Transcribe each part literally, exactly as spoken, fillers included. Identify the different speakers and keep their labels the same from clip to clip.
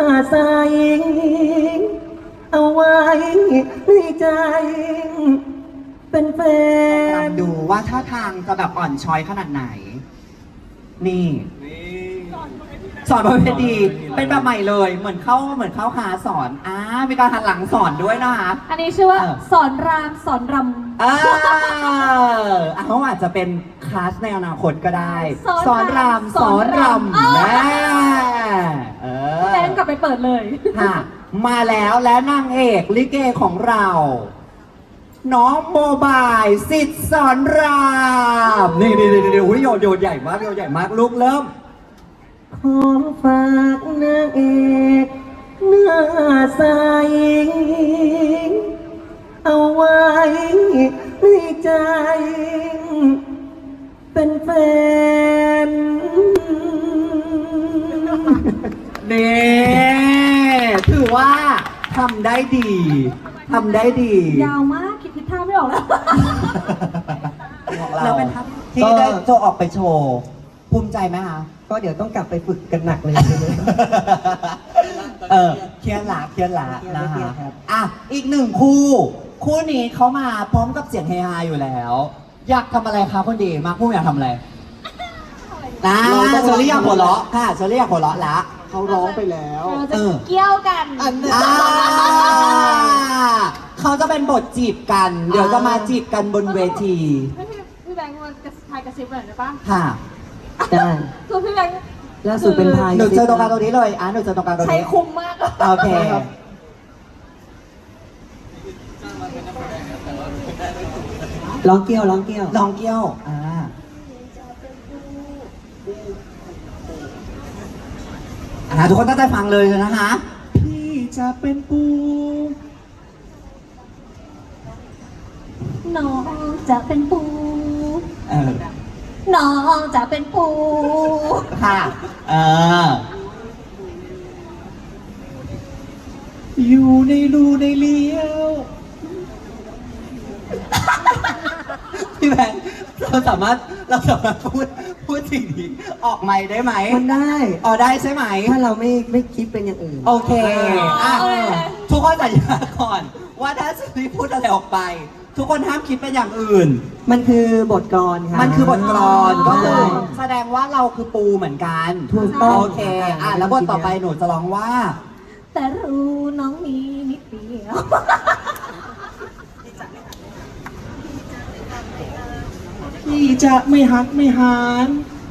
Speaker 1: ใสเอาไว้ในใจเป็นแฟน
Speaker 2: ดูว่าท่าทางจะแบบอ่อนช้อยขนาดไหน นี่สอนบนเวทีเป็นแบบใหม่เลย เหมือนเข้าเหมือนเข้าหาสอนอ่ามีการหันหลังสอนด้วยนะคะ
Speaker 3: อันนี้ชื่อว่า
Speaker 2: เออ
Speaker 3: สอนรามสอนรำ
Speaker 2: เออเขาอาจจะเป็นคลาสในอนาคตก็ได้
Speaker 3: สอนราม
Speaker 2: สอนรำ
Speaker 3: สอนรำ
Speaker 2: แน่เออ
Speaker 3: แบงกลับไปเปิดเลย
Speaker 2: ค่ะมาแล้วและนางเอกลิเกของเรา น้องโมบายสิทธิ์สอนรามนี่นี่นี่นี่โอ้ยโยนโยนใหญ่มากโยนใหญ่มากลูกเริ่ม
Speaker 1: ขอฝากนางเอกหน้าใสเอาไว้ในใจเป็นแฟน
Speaker 2: นี่ถือว่าทำได้ดีทำได้ดี
Speaker 3: ยาวมากคิดทิศทางไม่ออกแล้ว
Speaker 2: แล้วเป็นทัพที่ได้โจออกไปโชว์ ภูมิใจไหมคะ
Speaker 1: ก็เดี๋ยวต้องกลับไปฝึกกันหนักเลยใช่ไหม
Speaker 2: เออเคียนหลาเคียนหลา
Speaker 1: เครียด
Speaker 2: นะ
Speaker 1: เครีย
Speaker 2: คะ
Speaker 1: ดครับ
Speaker 2: อ่ะอีกหนึ่งคู่ คู่นี้เขามาพร้อมกับเสียงเฮฮาอยู่แล้ว อยากทำอะไรคะคนดีมาคู่อยากทำอะไรนะเชอรี่อยากหัวเราะค่ะเชอรี่อยากหัวเราะละ
Speaker 1: เขาร้องไปแล้ว
Speaker 3: เราจะ
Speaker 2: เออ
Speaker 3: เกี่ยวกัน
Speaker 1: อันนี้
Speaker 2: อ่าเขาจะเป็นบทจีบกัน เดี๋ยวจะมาจีบกันบนเวที
Speaker 3: ให้พี่พี่แบงค์มากระทายกระซิบหน่อยได้ปะ
Speaker 2: ค่ะ
Speaker 1: ได้
Speaker 3: คือพี่แบงค์
Speaker 1: ล่าสุดเป็นพาย
Speaker 2: หนูเจอตรงกลางตรงนี้เลยอ่ะหนูเจอตรงกลางตรง
Speaker 3: ใช้
Speaker 2: นี้
Speaker 3: คุ้มมาก
Speaker 2: โอเค
Speaker 1: ร้องเกี้ยวร้องเกี้ยว
Speaker 2: ลองเกี้ยว อ่า อ่าทุกคนตั้งใจฟังเลยนะคะ พี่จะเป็นปู
Speaker 3: น้องจะเป็นปู
Speaker 2: เออ
Speaker 3: น้องจะเป็นปู
Speaker 2: ค่ะ เออ อยู่ในรูในเลี้ยว พี่แบงค์เราสามารถเราสามารถพูดพูดสิ่งนี้ออกไมค์ได้ไหม
Speaker 1: มันได้
Speaker 2: อ๋อได้ใช่ไหม
Speaker 1: ถ้าเราไม่ไม่คิดเป็นอย่างอื่น
Speaker 2: โอเคอ่ะ
Speaker 3: โอเค
Speaker 2: ทุกคนสัญญาก่อน ว่าถ้าซีรีส์พูดอะไรออกไป ทุกคนห้ามคิดเป็นอย่างอื่น
Speaker 1: มันคือบทกลอนครับ
Speaker 2: มันคือบทกลอน
Speaker 3: อ๋อ
Speaker 2: ก็คือแสดงว่าเราคือปูเหมือนกัน
Speaker 1: ถูกต้อง
Speaker 2: โอเค อ่ะแล้วบทต่อไปหนูจะร้องว่า
Speaker 3: แต่รู้น้องมีนิดเดียว
Speaker 4: พี่จะไม่หักไม่หาน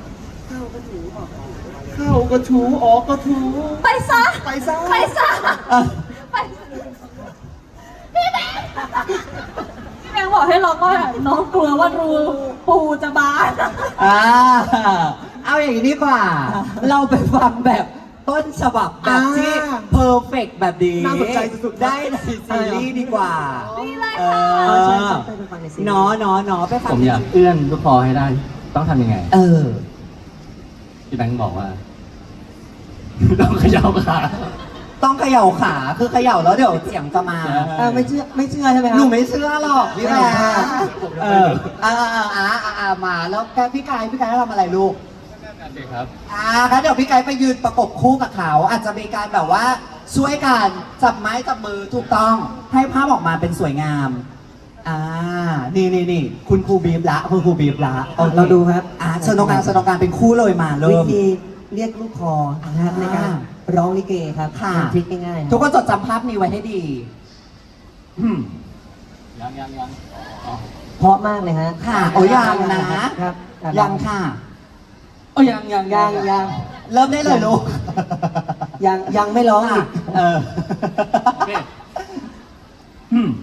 Speaker 4: เข้าก็ถูออกก็ถู
Speaker 3: ไปซะ
Speaker 4: ไปซะ
Speaker 3: ไปซะ
Speaker 2: เอ่อ
Speaker 3: ไปพี่แบงค์พี่แบงค์บอกให้เราก็น้องกลัวว่ารูปูจะบาน
Speaker 2: อ่าเอาอย่างนี้ดีกว่า เราไปฟังแบบต้นฉบับแบบที่เพอร์เฟกแบบนี้
Speaker 4: น่าสนใจสุดๆ
Speaker 2: ได้ในซีรีส์ดีกว่า
Speaker 3: นี่เลย
Speaker 2: เอ
Speaker 3: ค่ะ
Speaker 1: เออใช่
Speaker 2: อ
Speaker 1: ใช่ใช่ไปฟังในซีรีส์
Speaker 2: เนาะเนาะเนาะไปฟัง
Speaker 5: ผมอยากเอื้อนลูกคอให้ได้ ต้องทำยังไง
Speaker 2: เออ
Speaker 5: พี่แบงค์บอกว่า ต้องเขย่าขา
Speaker 2: ต้องเขย่าขา คือเขย่าแล้วเดี๋ยวเสียงจะมา
Speaker 1: เออไม่เชื่อไม่เชื่อใช่ไหมค
Speaker 2: ห
Speaker 1: รั
Speaker 2: นู
Speaker 1: บ
Speaker 2: ไม่เชื่อหรอกพี่แม่เอออ่าอ่าอ่าอ่าอ่ามาแล้วแกพี่กายพี่กายทำอะไรลูก
Speaker 5: โอเคครับ
Speaker 2: อ่างั้นเดี๋ยวพี่กายไปยืนประกบคู่กับเขา อาจจะมีการแบบว่าช่วยกันจับไม้จับมือถูกต้อง ให้ภาพออกมาเป็นสวยงาม อ่า นี่นี่นี่คุณครูบีบละคุณครูบีบละโอค
Speaker 1: เราดูครับ
Speaker 2: อ่าเชิญตรงกลางเชิญตรงกลางเป็นคู่เลยมาเริ่
Speaker 1: วิ
Speaker 2: ม
Speaker 1: ธีเรียกลูกคอนะครับในการ
Speaker 2: อ่า
Speaker 1: ร้องลิเกครับ
Speaker 2: ค่ะ
Speaker 1: เป็นทริคง่ายๆค
Speaker 2: ทุ
Speaker 1: รั
Speaker 2: ก
Speaker 1: บ
Speaker 2: คนจดจำภาพนี้ไว้ให้ดีอืม
Speaker 5: ยังยังยังอ๋อ
Speaker 1: เพราะมากเลยฮะ
Speaker 2: ค่ะโอ้ยังนะ
Speaker 1: ครับ
Speaker 2: ยังค่ะ
Speaker 5: โอ้ยังยัง
Speaker 1: ยังยัง
Speaker 2: เริ่มได้เลยลูก
Speaker 1: ยังยังไม่ร้องอี
Speaker 2: ค่ะ
Speaker 1: ก
Speaker 2: เออ
Speaker 5: โอเค
Speaker 2: อืม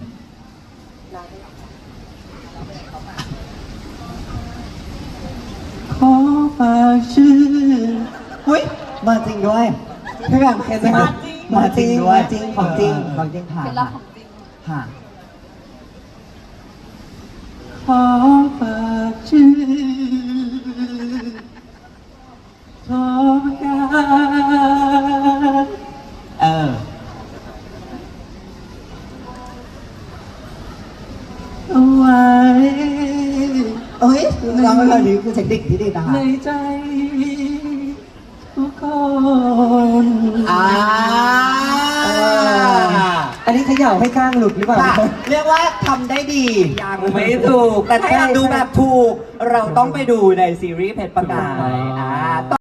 Speaker 2: ขอฝากชื่ออุ้ยมาจริงด้วยพี่แบงค์เห็นไหมครับมาจริงด้วย
Speaker 1: มาจริงของจริงของจริง
Speaker 2: ค่ะ
Speaker 3: เป็นลับของจริง
Speaker 2: ค่ะขอฝากชื่อทองการเออเอาไว้เอ้ยร้องไปเลยนี่คือเทคนิคที่ดีนะคะ
Speaker 1: ในใจทุกคน
Speaker 2: อ่า
Speaker 1: ย่าให้ก้างหลุดหรือเปล่า
Speaker 2: ค่ะเรียกว่าทำได้ดียังไม่ถูก แต่ถ้าอยากดูแบบถูก เราต้องไปดูในซีรีส์เพชรประกายอ่า